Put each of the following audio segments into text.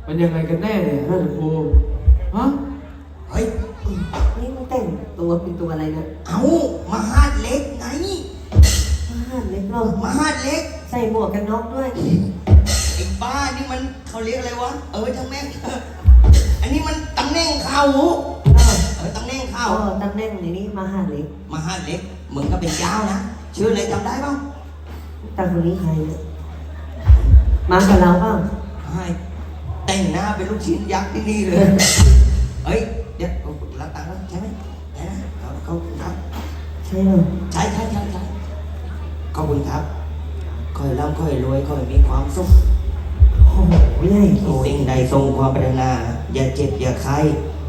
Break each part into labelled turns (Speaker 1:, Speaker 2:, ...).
Speaker 1: มันยังไงกันแน่เนี่ยท่านครูฮะ
Speaker 2: เฮ้ย
Speaker 3: นี่มึงแต่งตัวเป็นตัวอะไรเนี่ย
Speaker 2: เอามหาดเล็กไง
Speaker 3: มหาดเล็กหรอ
Speaker 2: มหาดเล็ก
Speaker 3: ใส่หมวกกันน็อกด้วย
Speaker 2: ไอ้บ้านี่มันเขาเรียกอะไรวะทั้งแม่งอันนี้มันตำแหน่งเขาตำแหน่งเขา
Speaker 3: ตำแหน่งนี่มหาดเล็ก
Speaker 2: มหาดเล็กมึงก็เป็นยาวนะชื่ออะไรจำได้ป่ะ
Speaker 3: ตาคนนี้ใครเนี่ยมากับเราเปล่า
Speaker 2: ใช่แต่งหน้าเป็นลูกชิ้นยักษ์ที่นี่เลยเฮ้ยเดี๋ยวรับตังค์แล้วใช่ไหมใช่นะเขาครับ
Speaker 3: ใช่หรอ
Speaker 2: ใช่ขอบคุณครับคอยร่ำคอยรวยคอยมีความสุข
Speaker 3: โอ้ยใหญ่
Speaker 2: สิ่งใดทรงความปรารถนาอย่าเจ็บอย่าไข้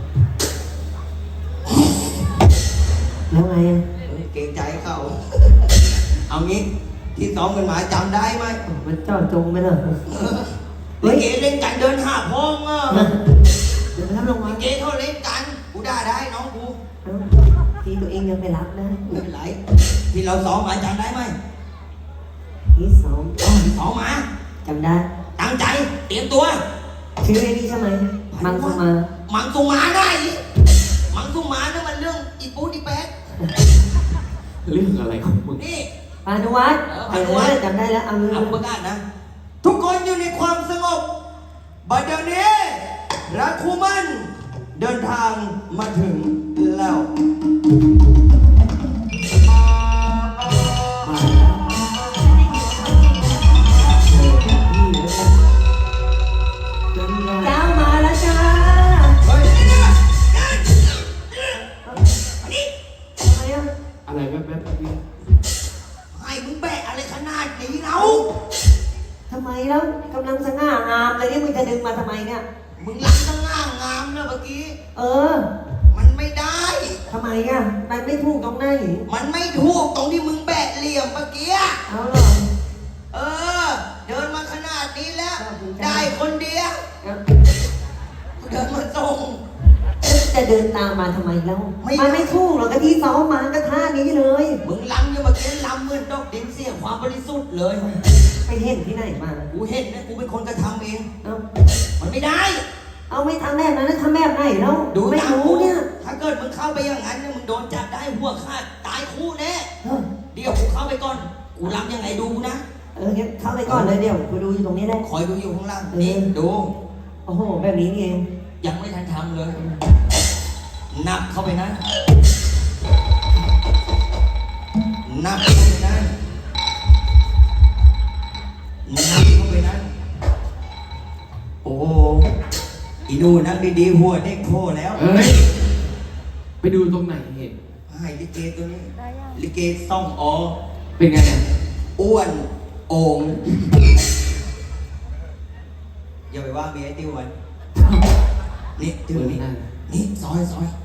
Speaker 3: แล้วไงอ่ะ
Speaker 2: เกรงใจเขาเอางี้ที่ซ้อมกันมาจำได้ไหม
Speaker 3: มันจ่อจงไปเลย
Speaker 2: เฮ้ยเกเล่นกันเดินหาพ้องอ่ะ
Speaker 3: เดี๋ยวรับรางวัล
Speaker 2: เกเขาเล่นกันกูด่าได้น้องกู
Speaker 3: ทีตัวเองยังไปรับนะ
Speaker 2: ไม่เป็นไรที่เราซ้อมมาจำได้ไหม
Speaker 3: ที่ซ้อม
Speaker 2: มา
Speaker 3: จำได้
Speaker 2: ตั้งใจเตรียมตัว
Speaker 3: ชื่อไอ้นี่ใช่ไหมมังสุมา
Speaker 2: ได้มังสุมานั่นมันเรื่องอีปูอีแป๊ด
Speaker 1: เรื่องอะไรของมึง
Speaker 2: นี่
Speaker 3: พานุวัฒน์จำได้แล้วเอา
Speaker 2: ประกาศนะทุกคนอยู่ในความสงบบัดเดี๋ยวนี้รักคู่มั่นเดินทางมาถึงแล้ว
Speaker 3: เจ้ามาแล้วจ้า
Speaker 1: อะไรแป๊บนี่
Speaker 2: ให้มึงแบะอะไรขนาดนี้เรา
Speaker 3: ทำไมแล้วกำลังสง่างามเลยเนี่ยมึงจะดึงมาทำไมเนี่ย
Speaker 2: มึงรักสง่างามนะเมื่อกี้มันไม่ได้
Speaker 3: ทำไมอ่ะมันไม่ถูกตรงไหน
Speaker 2: มันไม่ถูกตรงที่มึงแบะเหลี่ยมเมื่อกี้
Speaker 3: เอาหรอ
Speaker 2: เดินมาขนาดนี้แล้วได้คนเดียวเดินมาส่ง
Speaker 3: จะเดินตามมาทำไมแล้วมันไม่ถูกหรอกกะที่ซ้อมมาก็ท่านี้เลย
Speaker 2: มึงล้ำอยู่เมื่อกี้ล้ำเหมือนดอกดินเสียความบริสุทธิ์เลย
Speaker 3: ไปเห็นที่ไหนมา
Speaker 2: กูเห็นนะกูเป็นคนกระทำเองมันไม่ได้
Speaker 3: เอาไม่ทำแบบนั้นแล้วทำแบบไหนแล้ว
Speaker 2: ดู
Speaker 3: ไม่รู้เนี่ย
Speaker 2: ถ้าเกิดมึงเข้าไปอย่างนั้นเนี่ยมึงโดนจับได้หัวขาดตายคู่แน่เดี๋ยวกูเข้าไปก่อนกูล้ำยังไงดูนะ
Speaker 3: งั้นเข้าไปก่อนเลยเดี๋ยวกูดูอยู่ตรงนี้ได้
Speaker 2: คอยดูอยู่ข้างล่างนี่ดู
Speaker 3: โอ้โหแบบนี้นี่เอง
Speaker 2: ยังไม่ทันทำเลยนับเข้าไปนะนับเข้าไปนะนับเข้าไปนะโอ้อีดูนั่งดีๆหัวเด็กโคแล้ว
Speaker 1: ไปดูตรงไหนเห็น
Speaker 2: ให้ลิเกตัวนี้ลิเกซ่อง
Speaker 1: เป็นไง
Speaker 2: อ้วนโอ่งอย่าไปว่าเมียติ้วมันนี่ติ้วนี่ซอย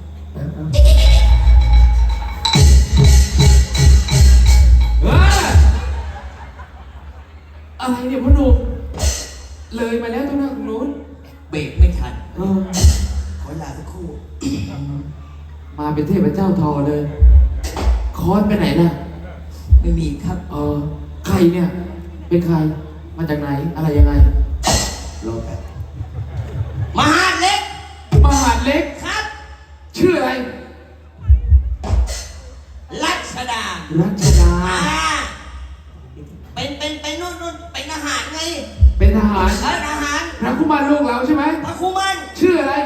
Speaker 1: อะไรเนี่ยพ่อหนุ่มเลยมาแล้วตรงนั้นนู้น
Speaker 2: เบรกไม่ทันขอลาสักครู่
Speaker 1: มาเป็นเทพเจ้าทอเลยคอนไปไหนล่ะ
Speaker 2: ไม่มีครับ
Speaker 1: ใครเนี่ยเป็นใครมาจากไหนอะไรยังไง
Speaker 2: รอแป๊บมหาดเล็กครับ
Speaker 1: ชื่ออะไร
Speaker 2: รัชดาเป็นนู่นเป็นทหารไง
Speaker 1: เป็นทหาร
Speaker 2: ทหาร
Speaker 1: พระคุมารลูกเราใช่ไหม
Speaker 2: พระคุมาร
Speaker 1: ชื่ออะไร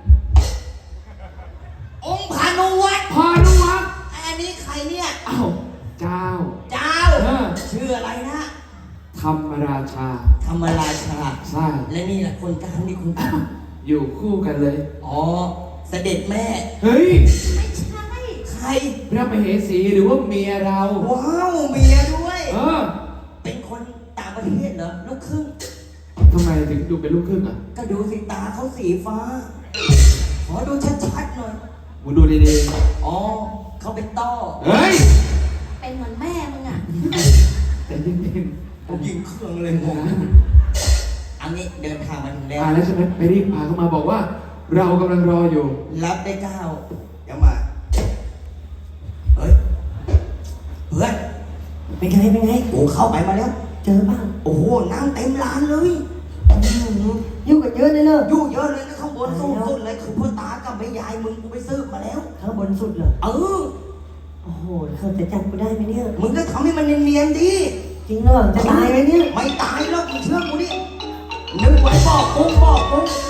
Speaker 2: องค์พานุวัฒน์อันนี้ใครเนี่ย
Speaker 1: อ้าวเจ้า
Speaker 2: ชื่ออะไรนะ
Speaker 1: ธรรมราชาใช่
Speaker 2: และนี่แหละคนกลางนี่คุณ
Speaker 1: อยู่คู่กันเลย
Speaker 2: เสด็จแม่
Speaker 1: เฮ้ย
Speaker 2: ไม่ใช่ใคร
Speaker 1: พระมเหสีหรือว่าเมียเรา
Speaker 2: ว้าวเมียด้วยเป็นคนต่างประเทศเหรอลูกครึ่ง
Speaker 1: ทำไมถึงดูเป็นลูกครึ่งอ่ะ
Speaker 2: ก็ดูสิตาเขาสีฟ้าขอดูชัดๆหน่อย
Speaker 1: มึงดูดี
Speaker 2: ๆเขาเป็นต้อ
Speaker 1: เฮ้ย
Speaker 3: เป็นเหมือนแม่มึงอ่ะ
Speaker 1: แต่จริง
Speaker 2: ๆผมยิงเครื่องเลยงงอันนี้เดินทางมาถึง
Speaker 1: แล้วใช่ไหมไปรีบพาเข้ามาบอกว่าเรากำลังรออยู่
Speaker 2: รับได้เจ้าเดี๋ยวมาเฮ้ยเพื่อน
Speaker 3: เป็นไง
Speaker 2: โอ้เข้าไปมาแล้ว
Speaker 3: เจอบ้าง
Speaker 2: โอ้โหนั่งเต็มร้านเลย
Speaker 3: ยุ่งกันเยอะเลยเนอะ
Speaker 2: อยู่เยอะเลยนะข้างบนสูงสุดเลยคือพ่อตากับแม่ยายมึงกูไปซื้อมาแล้ว
Speaker 3: ข้างบนสุดเหรอ
Speaker 2: เออ
Speaker 3: โอ้โหเขาจะจับกูได้ไหมเนี่ย
Speaker 2: มึงก็ทำให้มันเนียนๆดิ
Speaker 3: จริงเหรอจะตายไหมเนี่ย
Speaker 2: ไม่ตายหรอกมึงเชื่อกูดินึกไว้บอกปุ๊บบอกปุ๊บ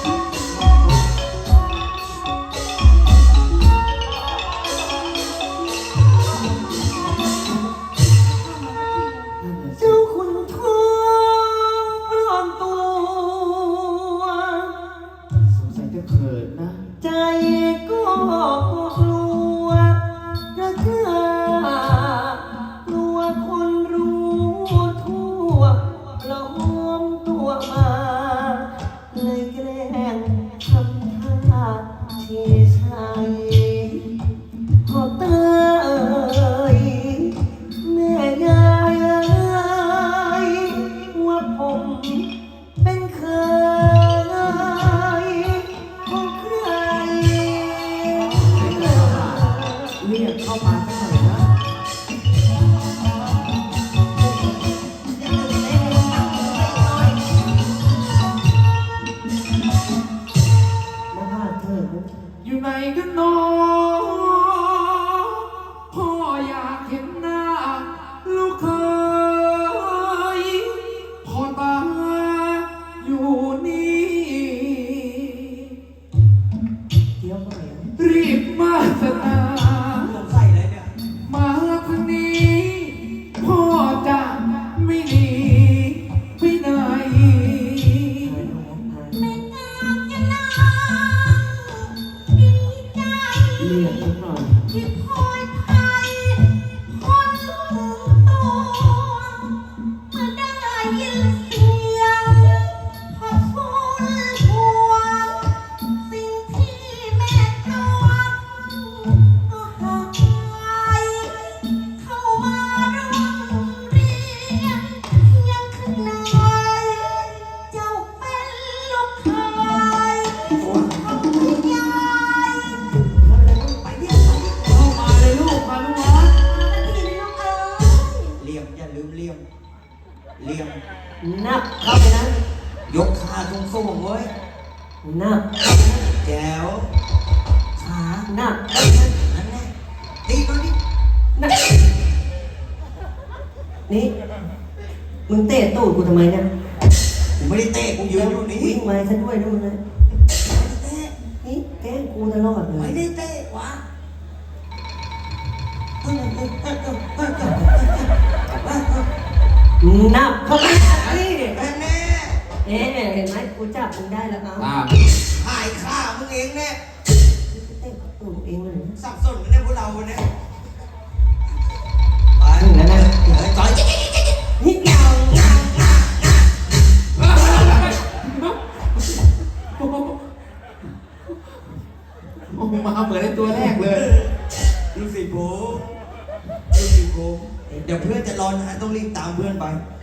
Speaker 3: เจ้าคุณทองปลอมตัว
Speaker 1: สงสัยจะเขินนะ
Speaker 3: ใจก็กลัวกระกล้ากลัวคนรู้ทั่วปลอมตัวมาเลยแกล้งทำท่าเฉยชัยพอเตยแม่ยายว่าผมเป็นเคยของใคร
Speaker 1: เรียกเข้ามาสักหน่อยนะ
Speaker 3: มาพาเธอ
Speaker 1: อยู่ไหนกันน้องพ่ออยากเห็นหน้าลูกเคยพ่อตาอยู่นี่
Speaker 3: เดี๋ยวไป
Speaker 1: รีบมาสนา
Speaker 2: สงสัยเลยเนี่ย
Speaker 1: มาทางนี้พ่อจะไม่หนีไปไหน เรียกสักหน่อย
Speaker 4: ที่พลอยไทยคนตัวเมื่อได้ยินเสียงพอฟูนห่วงสิ่งที่แม่จวงก็หายเข้ามาร่วมเรียนยังข้างในเจ้าเป็นลูกชายของยาย
Speaker 2: ไปเรียกไป
Speaker 1: เข้ามาเลยลูกมาลูกวัด
Speaker 2: เลี่ยมอย่าลืมเลี่ยมเลี่ยม
Speaker 3: นับเข้าไปนะ
Speaker 2: ยกขาตรงสูงๆเว้ย
Speaker 3: นับ
Speaker 2: แจ๋วขา
Speaker 3: นับ
Speaker 2: นั่นแหละตีก่อนดิ
Speaker 3: นับนี่มึงเตะตูดกูทำไมเนี่ย
Speaker 2: กูไม่ได้เตะกูยืนอยู่นี่
Speaker 3: วิ่งมาให้ฉันด้วยนะมึงนะ
Speaker 2: เตะ
Speaker 3: นี่แกล้งกูตลอดเล
Speaker 2: ไม่
Speaker 3: ย
Speaker 2: ได้เตะวะ
Speaker 3: นับเข้าไปนี่
Speaker 2: แน่แน่
Speaker 3: เอ๊ะเห็นไหมกูจับมึงได้แล้วเอา
Speaker 2: หายข้ามึงเองเนี่ย
Speaker 3: เตะตูดเองเลยนะ
Speaker 2: สับสนกันเนี่ยพวกเราเนี่ยไป
Speaker 3: ถึงแล้วนะ
Speaker 2: ต่อย
Speaker 3: นี่เงา
Speaker 1: โอ้โหมาเหมือนในตัวแรกเลย
Speaker 2: ดูสิผมดูสิผมเดี๋ยวเพื่อนจะรอนานต้องรีบตามเพื่อนไป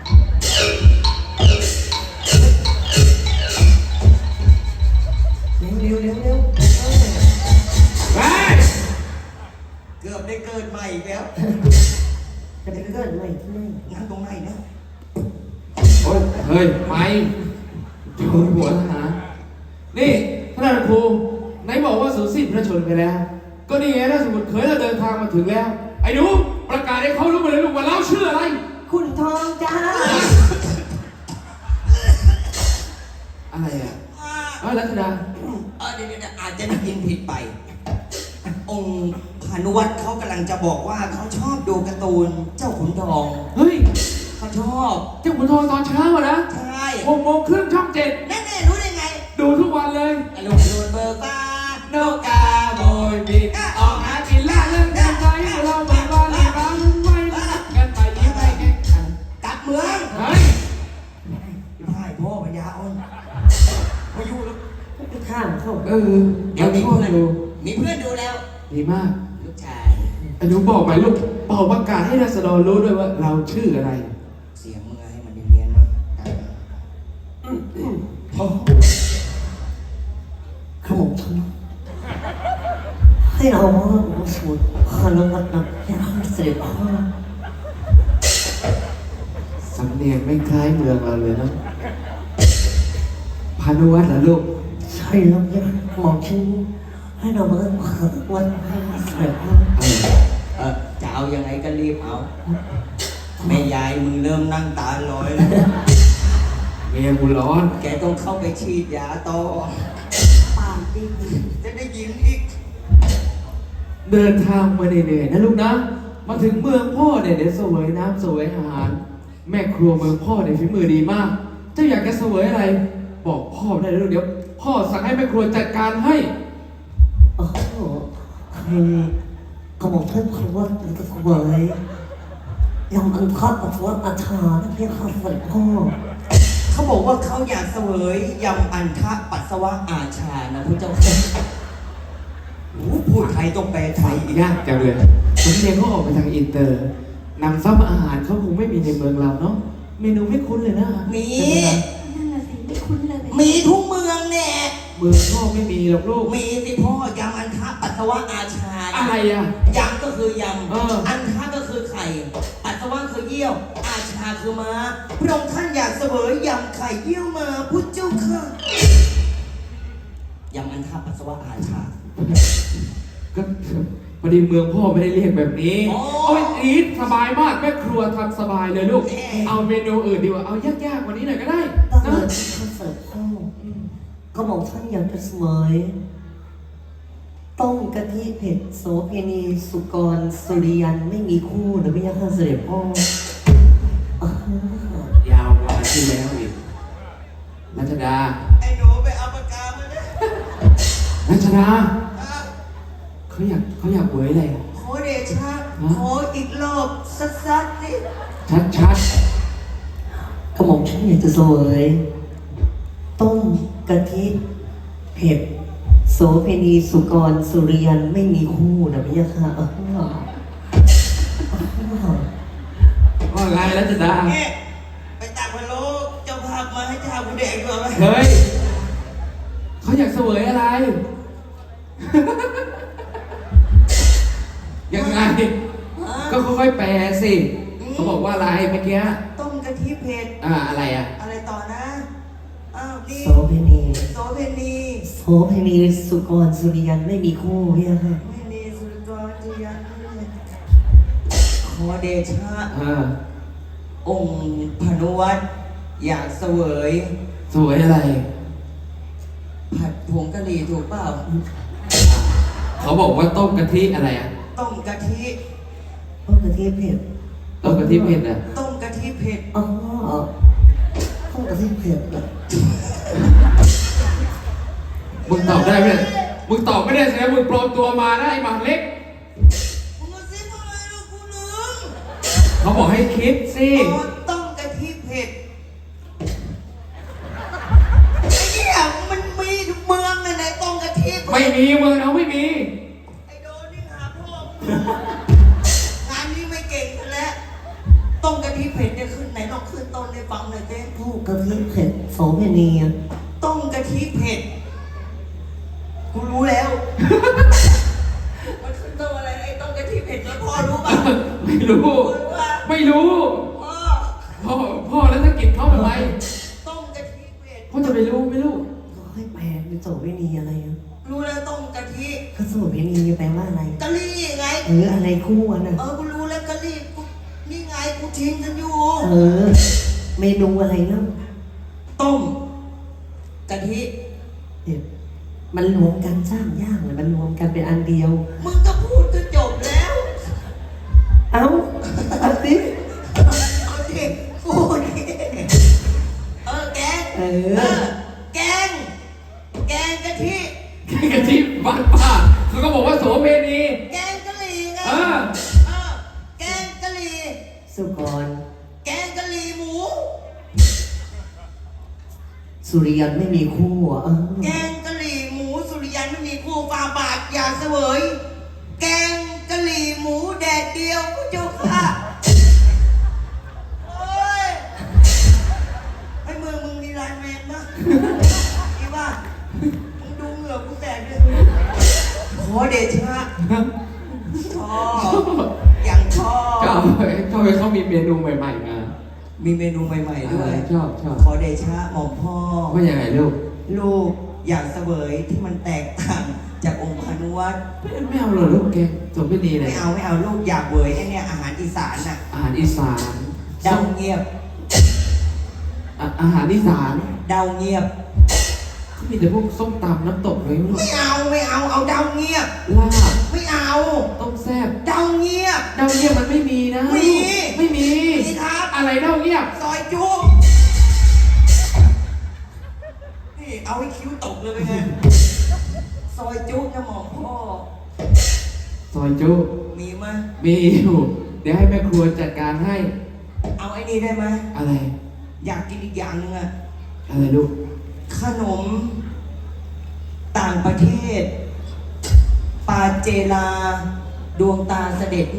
Speaker 3: เร็วเร็วเร็วเร็ว
Speaker 1: เฮ้ย
Speaker 2: เกือบได้เกิดใหม่อีกแล้ว
Speaker 3: จะไปเกิดใหม่ที่ไหน
Speaker 2: งั้นตรงไหนเนี่ย
Speaker 1: โอ้ยเฮ้ยไม่อยู่หัวทหารนี่ท่านครูไหนบอกว่าสูญสิ้นพระชนม์ไปแล้ว ก็นี่ไงถ้าสมมติเคยเราเดินทางมาถึงแล้ว ไอ้หนูประกาศให้เขารู้มาเลยลูกว่าเราชื่ออะไร
Speaker 3: คุณทองจ้า
Speaker 1: อะไรอ่ะรัตดา
Speaker 2: เดี๋ยวอาจจะได้ยินผิดไป องค์พานุวัตรเขากำลังจะบอกว่าเขาชอบดูการ์ตูนเจ้าขุนทอง
Speaker 1: เฮ้ย
Speaker 2: เขาชอบ
Speaker 1: เจ้าขุนทองตอนเช้าอะนะ
Speaker 2: ใช่
Speaker 1: 6 โมงครึ่งช่อง 7
Speaker 2: แน่ๆรู้ได้ไง
Speaker 1: ดูทุกวันเลย
Speaker 2: อารมณ์โดนเบอร์ฟ้า
Speaker 1: โนกาโบยบินออกหากินล่าเรื่องกันใจเราไม่ว่าลีบาลุ้นไว้กันไปยิ้มไปแข่งขัน
Speaker 2: กลับเมือง
Speaker 1: เฮ้ย
Speaker 2: พ่ายพ่อพญาอ่อนมาอยู่แล้ว
Speaker 3: ไปข้ามเข้า
Speaker 2: เดี๋ยวมี
Speaker 1: พ่อ
Speaker 2: เพื่อน
Speaker 1: ดู
Speaker 2: มีเพื่อนดูแล้ว
Speaker 1: ดีมาก
Speaker 2: ลูกชาย
Speaker 1: ไอ้หนูบอกไหมลูกเป่าประกาศให้ราษฎรรู้ด้วยว่าเราชื่ออะไร
Speaker 2: เสียงมึงให้มันเนียนๆเนาะ
Speaker 1: โอ้
Speaker 3: ขมงฉันให้เราว่าเราสูตรพาลงัดนับให้เราเสด็จพ่อ
Speaker 1: สำเนียงไม่คล้ายเมืองเราเลยนะพานุวัฒน์เหรอลูก
Speaker 3: ใช่แล้วเนี่ยหมอฉันให้เรามาวันให้เสร็จแล้ว
Speaker 2: จะเอายังไงก็รีบเอา แม่ยายมึงเริ่มนั่งตาลอยแล้ว
Speaker 1: เมียกูร้อน
Speaker 2: แกต้องเข้าไปฉีดยาต่อ
Speaker 4: ปากดี
Speaker 2: จะได้ยินอีก
Speaker 1: เดินทางมาเหนื่อยๆนะลูกนะ มาถึงเมืองพ่อเนี่ยเดี๋ยวเสวยน้ำเสวยอาหาร แม่ครัวเมืองพ่อเนี่ยฝีมือดีมาก เจ้าอยากจะเสวยอะไร บอกพ่อได้เลยลูกเดี๋ยว พ่อสั่งให้แม่ครัวจัดการให้
Speaker 3: โอ้โหคือกระหม่อมท่านคือว่าจะเสวยยำอันทอดปัสสาวะอาชาที่เพียงข้าวฝันพ่อ
Speaker 2: เขาบอกว่าเขาอยากเสวยยำอันทะปัสสาวะอาชานะพระเจ้าค่ะโอ้พูดไทยต้องแปลไทยอีก
Speaker 1: ยากจังเลยสำเนียงเขาออกไปทางอินเตอร์นำซ้ำอาหารเขาคงไม่มีในเมืองเราเนาะ เมนูไม่คุ้นเลยนะ
Speaker 2: มี
Speaker 4: นั่นน่ะสิไม่คุ้นเลย
Speaker 2: มีทุกเมืองแน่
Speaker 1: เมืองพ่อไม่มีหรอกลูก
Speaker 2: มีสิพ่อยำอันทะปัสสาวะอาชานะ
Speaker 1: อะไรอ่ะ
Speaker 2: ยำก็คือย
Speaker 1: เออ
Speaker 2: ำ อันทะก็คือไข่ ปัสสาวะคือเยี่ยว อาชาคือม้า พระองค์ท่านอยากเสวยยำไข่เยี่ยวมาพุทธเจ้าค่ะยำอันทะปัสสาวะอาชา
Speaker 1: ก็พอดีเมืองพ่อไม่ได้เรียกแบบนี้
Speaker 2: อ๋อ
Speaker 1: เอาไปอีทสบายมากแม่ครัวทำสบายเลยลูก
Speaker 2: แน่
Speaker 1: เอาเมนูอื่นดีกว่า เอายากๆกว่านี้หน่อยก็ได้
Speaker 3: ตั้ง
Speaker 1: นะ
Speaker 3: แต่ที่เขาเสิร์ฟพ่อก็บอกท่านอยากจะเสวยต้มกะทิเผ็ดโสเพณีสุกรสุริยันไม่มีคู่หรือไม่ยากเสด็จพ่ออ่าย
Speaker 1: าวกว่าที่แล้วอีกรัชดา
Speaker 2: ไอ้หนูไปเอาปากกามาเลย
Speaker 1: รัชดาเขาอยากเวยอะไร
Speaker 2: ขอเดชะขออีกรอบสัดๆสิ
Speaker 1: ชัด
Speaker 3: กระหม่อมฉันอยากจะเสวยต้มกะทิเผ็ดโสเพณีสุกรสุริยันไม่มีคู่นะพี่ยะค่ะ
Speaker 1: ๆว่าไงรัชดา
Speaker 2: เนี่ยไปตักพะโล้เจ้าภาพมาให้เจ้าผู้แดงด้วยไหม
Speaker 1: เฮ้ยเขาอยากเสวยอะไร ยังไง ก็ค่อยๆแปลสิเขาบอกว่าอะไรเมื่อกี้
Speaker 2: ต้มกะทิเผ็ด
Speaker 1: อะไรอ่ะ
Speaker 2: อะไรต่อนะ อ้าวนี่
Speaker 3: โสเพณี
Speaker 2: โสเพณี
Speaker 3: โสเพณีสุกรสุริยันไม่มีคู่พี่ยะค่ะ
Speaker 2: ไม่มีสุรกรจียันขอเดชะ องค์พานุวัตรอยากเสวย
Speaker 1: สวยอะไร
Speaker 2: ผัดผงกะหรี่ถูกเปล่า
Speaker 1: เขาบอกว่าต้มกะทิอะไรอ่ะ
Speaker 2: ต้มกะทิ
Speaker 3: ต้มกะทิเผ็ด
Speaker 1: ต้มกะทิเผ็ดอ่ะ
Speaker 2: ต้มกะทิเผ็ด
Speaker 3: อ๋อต้มกะทิเผ็ดเหรอ
Speaker 1: มึงตอบได้ไหมมึงตอบไม่ได้แสดงมึงปลอมตัวมานะไอ้หมาเล็ก
Speaker 2: มึงมาซิมึงอะไรลูกกูลืม
Speaker 1: เขาบอกให้คิดสิ
Speaker 2: อ๋อต้มกะทิเผ็ดไอ้เนี่ยมันมีทุกเมืองเลยในต้มกะทิเผ็ด
Speaker 1: ไม่มีมึงเอาไม่มี
Speaker 2: ไอ้โดนนี่หาพ่อมึงงานนี้ไม่เก่งซะแล้วต้มกะทิเผ็ดเนี่ยขึ้นไหนลองขึ้นต้นให้ฟังหน่อยเต้
Speaker 3: ต้มกะทิเผ็ดโสเพณีอะ
Speaker 2: ต้มกะทิเผ็ดกูรู้แล้ว มันขึ้นต้นอะไรไอ้ต้มกะทิเผ็ดแล้วพ่อรู้ป่ะ
Speaker 1: ไม่รู้
Speaker 2: พ่อรู้ป่ะ
Speaker 1: ไม่รู้
Speaker 2: พ่อ
Speaker 1: พ่อแล้วถ้ากินเขาทำไม
Speaker 2: ต้มกะทิเผ็ด
Speaker 1: พ่อจะไปรู้ไม่รู้
Speaker 3: ก็ให้แปลเป็นโสเพณีอะไรอะ
Speaker 2: รู้แล้วต้มกะทิ
Speaker 3: ก็โสเพณีแปลว่าอะไร
Speaker 2: กะลี่ไง
Speaker 3: หรืออะไรคู่อะน่ะ
Speaker 2: กูรู้แล้วกะลี่กูนี่ไงกูทิ้งกันอยู่
Speaker 3: เมนูอะไรเนาะ
Speaker 2: ต้มกะทิ
Speaker 3: เดี๋ยวมันรวมกันสร้างย่างเลยมันรวมกันเป็นอันเดียว
Speaker 2: มึงก็พูดก็จบแล้ว
Speaker 3: เอ้าเอาสิ
Speaker 2: เอาดิพูดดิแกง แกงกะทิ
Speaker 1: กะทิบ้านป้าเขาก็บอกว่าโสเพณี
Speaker 2: แกงกะหรี่ไง
Speaker 1: เออ
Speaker 2: แกงกะหรี่
Speaker 3: สุกร
Speaker 2: แกงกะหรี่หมู
Speaker 3: สุริยันไม่มีคู่อ่ะ
Speaker 2: แกงกะหรี่หมูสุริยันไม่มีคู่ฟาบาทอย่าเสวย แกงกะหรี่หมูแดดเดียวผู้เจ้าค่ะโอ้ยไอ้เมืองมึงมีไลน์แมนปะอีบ้ามึงดูเหงื่อกูแตกเลยขอเดชะชอบอย่างชอบ
Speaker 1: ก็ทำไมเขามีเมนูใหม่ๆมา
Speaker 2: มีเมนูใหม่ๆด้วย
Speaker 1: ชอบ
Speaker 2: ขอเดชะหม่อมพ่อ
Speaker 1: ว่ายังไงลูก
Speaker 2: ลูกอยากเสวยที่มันแตกต่างจากองค์พานุวัตร
Speaker 1: ไม่เอาเลยลูกแกจบไม่ดีเลย
Speaker 2: ไม่เอาลูกอยากเวยไอ้เนี่ยอาหารอีสานน่ะ
Speaker 1: อาหารอีสาน
Speaker 2: เดาเงียบ
Speaker 1: อาหารอีสาน
Speaker 2: เดาเงียบ
Speaker 1: เขามีแต่พวกส้มตำน้ำตกเลยลูก
Speaker 2: ไม่เอาเอาเดาเงียบ
Speaker 1: ลาบ
Speaker 2: ไม่เอา
Speaker 1: ต้มแซ่บ
Speaker 2: เดาเงียบ
Speaker 1: เดาเงียบมันไม่มีนะ
Speaker 2: มี
Speaker 1: ไม่มี
Speaker 2: มีครับ
Speaker 1: อะไรเดาเงียบ
Speaker 2: ซอยจุ๊บนี่เอาให้คิ้วตกเลยไปไงซอยจุ๊บนะหมอมพ่อ
Speaker 1: ซอยจุ
Speaker 2: มีไหม
Speaker 1: มีอยู่เดี๋ยวให้แม่ครัวจัดการให้
Speaker 2: เอาไอ้นี่ได้ไหม
Speaker 1: อะไร
Speaker 2: อยากกินอีกอย่างหนึงอะ
Speaker 1: อะไรลูก
Speaker 2: ขนม ต่างประเทศ ปาเจลา ดวงตาเสด็จแม่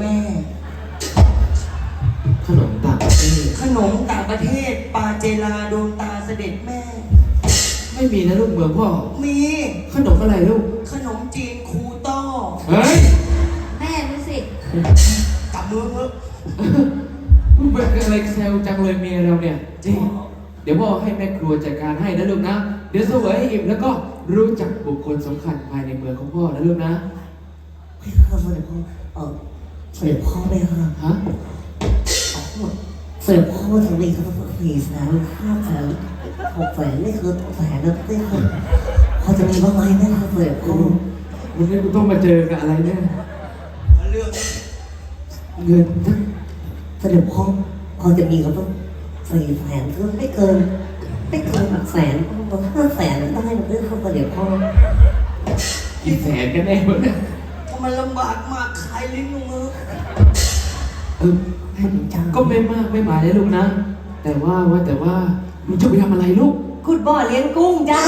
Speaker 1: ขนมต่างประเทศ
Speaker 2: ขนมต่างประเทศ ปาเจลา ดวงตาเสด็จแม่
Speaker 1: ไม่มีนะลูกเมืองพ่อ
Speaker 2: มี
Speaker 1: ขนมอะไรลูก
Speaker 2: ขนมจีนคูต้อ
Speaker 1: เฮ้ย
Speaker 4: แม่มึงสิ
Speaker 2: กลับเมืองเถอะ
Speaker 1: มึงเป็นอะไรแซวจังเลยเมียเราเนี่ยจริงเดี๋ยวพ่อให้แม่ครัวจัดการให้นะลูกนะ เดี๋ยวเสวยให้อิ่มแล้วก็รู้จักบุคคลสำคัญภายในเมืองของพ่อนะลูกนะ
Speaker 3: ไม่ค่ะเสด็จพ่อเสด็จพ่อไม่ค่ะ
Speaker 1: ฮะ
Speaker 3: เสด็จพ่อทำไมครับ400,000 500,000 600,000นี่คือแสนนะนี่คือพอจะมีบ้างไหมนะครับเสด็จพ่อ
Speaker 1: วันนี้กูต้องมาเจอกับอะไรเนี่ย
Speaker 2: เรื่อง
Speaker 1: เงินทั้ง
Speaker 3: เสด็จพ่อพอจะมีก็ต้อง400,000คือไม่เกิน100,000ต้อง500,000ได้หรือครับเสด็จพ่อ
Speaker 1: กี่แสนกันแน่วะเนี่ย
Speaker 2: ถ้ามันลำบากมากขายลิ้นลงมือ
Speaker 1: เออก็ไม่มากไม่หมายเลยลูกนะ แต่ว่ามึงจะไปทำอะไรลูก
Speaker 3: ขุดบ่อเลี้ยงกุ้งจ้า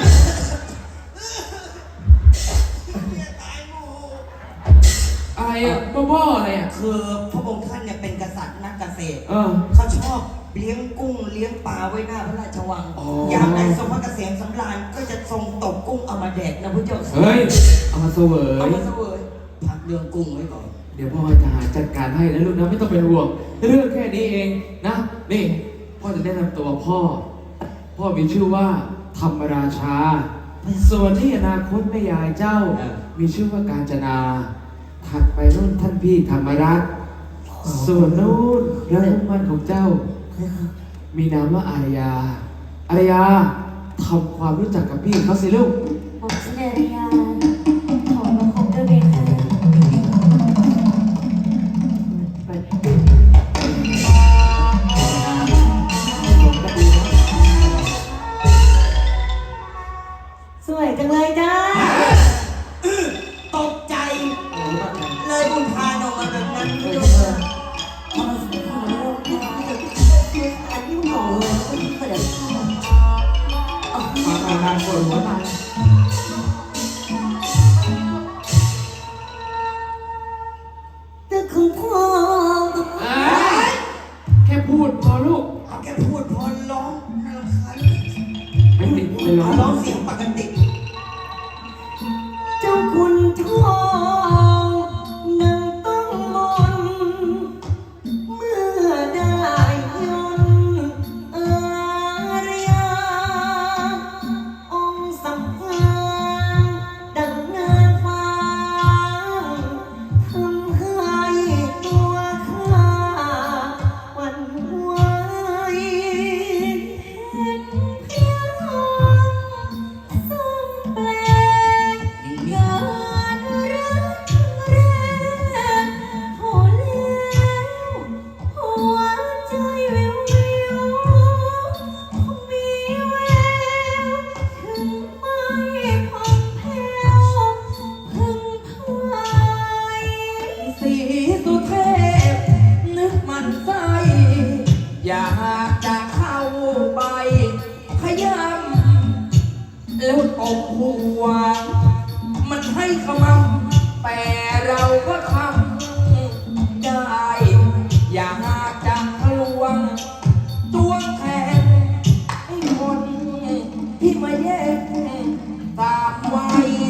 Speaker 1: อะไรอะบ้าๆอะไรอะ
Speaker 2: คือพระองค์ท่านเนี่ยเป็นกษัตริย์นักเกษตร
Speaker 1: เออ
Speaker 2: เขาชอบเลี้ยงกุ้งเลี้ยงปลาไว้หน้าพระราชวัง
Speaker 1: อ๋อ
Speaker 2: อยากได้ทรงพระเกษมสำราญก็จะทรงตกกุ้งเอามาแดกนะพระเจ้าค่ะ
Speaker 1: เฮ้ย เอามาเสว
Speaker 2: เอา
Speaker 1: ย
Speaker 2: มาเสวยพักเรื่องกุ้งไว้ก่อน
Speaker 1: เดี๋ยวพ่อจะหาจัดการให้นะลูกนะไม่ต้องเป็นห่วง เรื่องแค่นี้เองนะ นี่ พ่อจะแนะนำตัวพ่อ พ่อมีชื่อว่าธรรมราชา ส่วนที่อนาคตแม่ยายเจ้า มีชื่อว่ากาญจนา ถัดไปนู่นท่านพี่ธรรมรัตน์ส่วนนู่นพระผู้มั่นของเจ้า มีนามว่าอารยา อารยาทำความรู้จักกับพี่เขาสิลูก
Speaker 4: ผมชื่อเนริยาขอมาคบด้วยเบนค่ะ
Speaker 3: สวยจังเลยจ้า
Speaker 2: ตกใจ เลยอุทานออกมาแบบนั้นพระเจ้าค่ะ
Speaker 3: อันนี้มันหล่อเลยเสด็จพ่อ
Speaker 1: มาทางปวดหัวตาย
Speaker 3: แต่ของพ่อ
Speaker 1: แค่พูดพอลูก
Speaker 2: เอาแค่พูดพอร้องน่ารำคาญ
Speaker 1: ไม่ติดเลย
Speaker 2: เอาร้องเสียงปกติ
Speaker 3: เจ้าคุณทองนางต้องมนเมื่อได้ยนต์อารยาองค์สำคัญดังนางฟ้าทำให้ตัวข้าหวั่นไหวเห็นเพียงทรงแปลก การรักแรกพอแล้วหัวใจวิววิวคงมีแววถึงไม่พังแผ้วพึงพาย
Speaker 2: สีสุเทพนึกมันไส้อยากจะเข้าไปขยำแล้วตบหัว มันให้ขมำแต่เราก็ทำได้ อยากจะทะลวงตัวแทนไอ้คนที่มาแย่งตามไว้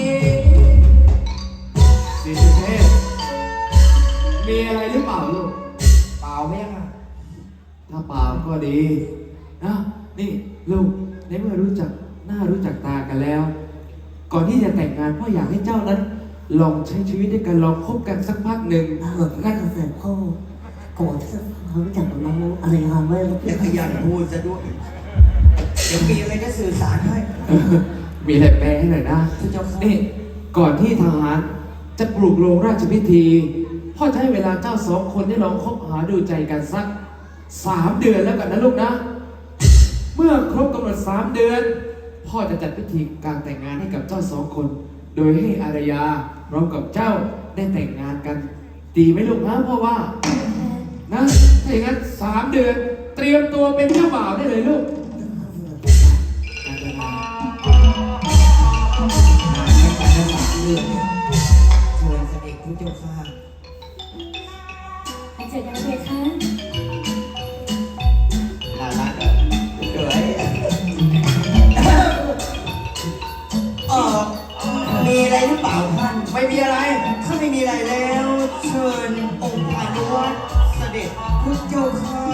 Speaker 1: สีสุเทพมีอะไรหรือเปล่าลูก
Speaker 2: เปล่าไหมอ่ะ
Speaker 1: ถ้าเปล่าก็ดีนะนี่ลูกในเมื่อรู้จักน่ารู้จักตากันแล้ว ก่อนที่จะแต่งงานพ่ออยากให้เจ้านั้น ลองใช้ชีวิตด้วยกันลองคบกันสักพักหนึ่ง
Speaker 3: งั้นเสด็จพ่อก่อนที่จะรู้จักกับน้องอะไรงานไว้
Speaker 2: อย่าขยันพูดซะด้วยเดี๋ยวมีอะไรจะสื่อสารให้
Speaker 1: มีอะไรแปลให้หน่อยนะ
Speaker 2: พระเจ้าค่ะ
Speaker 1: นี่ก่อนที่ทหารจะปลุกโรงราชพิธี พ่อจะให้เวลาเจ้าสองคนได้ลองคบหาดูใจกันสัก3 เดือนแล้วกันนะลูกนะ เมื่อครบกำหนด3 เดือน พ่อจะจัดพิธีการแต่งงานให้กับเจ้าสองคน โดยให้อารยาพร้อมกับเจ้าได้แต่งงานกัน ดีไหมลูกนะพ่อว่านะถ้าอย่างนั้น3 เดือน เตรียมตัวเป็นเจ้าบ่าวได้เลยลูก
Speaker 2: เรื่องเนี่ยเชิญเสด็จพระเจ้าค่ะ
Speaker 4: ไปเจอกันเลยค่ะ
Speaker 2: น่ารักอ่ะเก๋ยมีอะไรหรือเปล่าท่านไม่มีอะไร ถ้าไม่มีอะไรแล้ว เชิญองค์พานุวัตรเสด็จพระเจ้าค่ะ